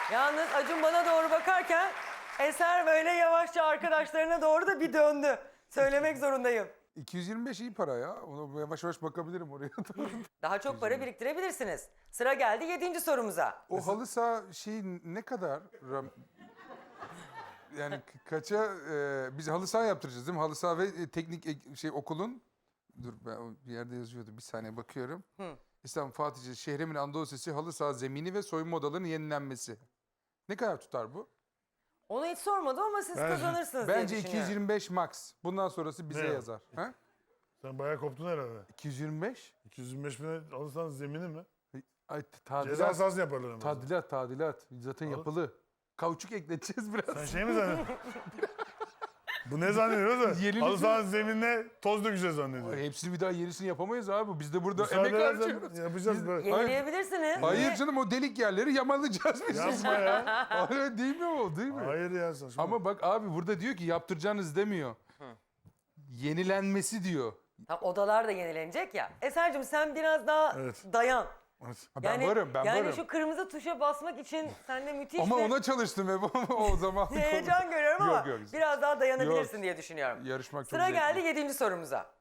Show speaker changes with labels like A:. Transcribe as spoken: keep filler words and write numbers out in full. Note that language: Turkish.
A: Yalnız Acun bana doğru bakarken Eser böyle yavaşça arkadaşlarına doğru da bir döndü. Söylemek zorundayım.
B: iki yüz yirmi beş iyi para ya. Ona yavaş yavaş bakabilirim oraya.
A: Daha çok para biriktirebilirsiniz. Sıra geldi yedinci sorumuza.
B: O halı saha şeyi ne kadar? Ram- Yani ka- kaça e, biz halı saha yaptıracağız değil mi? Halı saha ve e, teknik e- şey okulun. Dur ben o bir yerde yazıyordu. Bir saniye bakıyorum.
A: Hı.
B: İstanbul Fatih'ce Şehremin Anadolu Lisesi halı saha zemini ve soyunma odalarının yenilenmesi. Ne kadar tutar bu?
A: Onu hiç sormadım ama siz
C: Ben-
A: kazanırsınız diye
B: Bence
A: düşünüyorum.
B: iki yüz yirmi beş max. Bundan sonrası bize
C: Ne?
B: yazar. Ha?
C: Sen bayağı koptun herhalde.
B: iki yüz yirmi beş?
C: iki yüz yirmi beş bine alırsan zemini mi?
B: Ay
C: Ceza
B: tadilat.
C: sahasını yaparlar ama.
B: Tadilat, tadilat. Zaten
C: Alır.
B: yapılı. Kauçuk ekleteceğiz biraz.
C: Sen şey mi zannediyorsun? Bu ne zannediyor da?
B: Yenilik
C: Halı
B: mi?
C: sahanın zeminine toz dökeceğiz zannediyor.
B: Ay, hepsini bir daha yenisini yapamayız abi. Biz de burada
C: Müsaade
B: emek
C: edersen
B: harcıyoruz.
C: yapacağız böyle.
A: Yenileyebilirsiniz.
B: Hayır canım o delik yerleri yamalayacağız biz.
C: Yapma ya.
B: Öyle değil mi o değil mi?
C: Hayır ya saçma.
B: Ama bak abi burada diyor ki yaptıracaksınız demiyor. Yenilenmesi diyor.
A: Tam odalar da yenilenecek ya. Eser'cim sen biraz daha
C: Evet.
A: dayan.
C: Evet.
B: Ha, ben varım ben
A: yani
B: varım.
A: şu kırmızı tuşa basmak için sende müthiş
B: Ama
A: bir
B: ona çalıştım hep o zaman.
A: heyecan görüyorum ama
B: Yok, yok.
A: biraz daha dayanabilirsin
B: Yok.
A: diye düşünüyorum.
B: Yarışmak çok
A: Sıra
B: zevkli.
A: geldi yedinci sorumuza.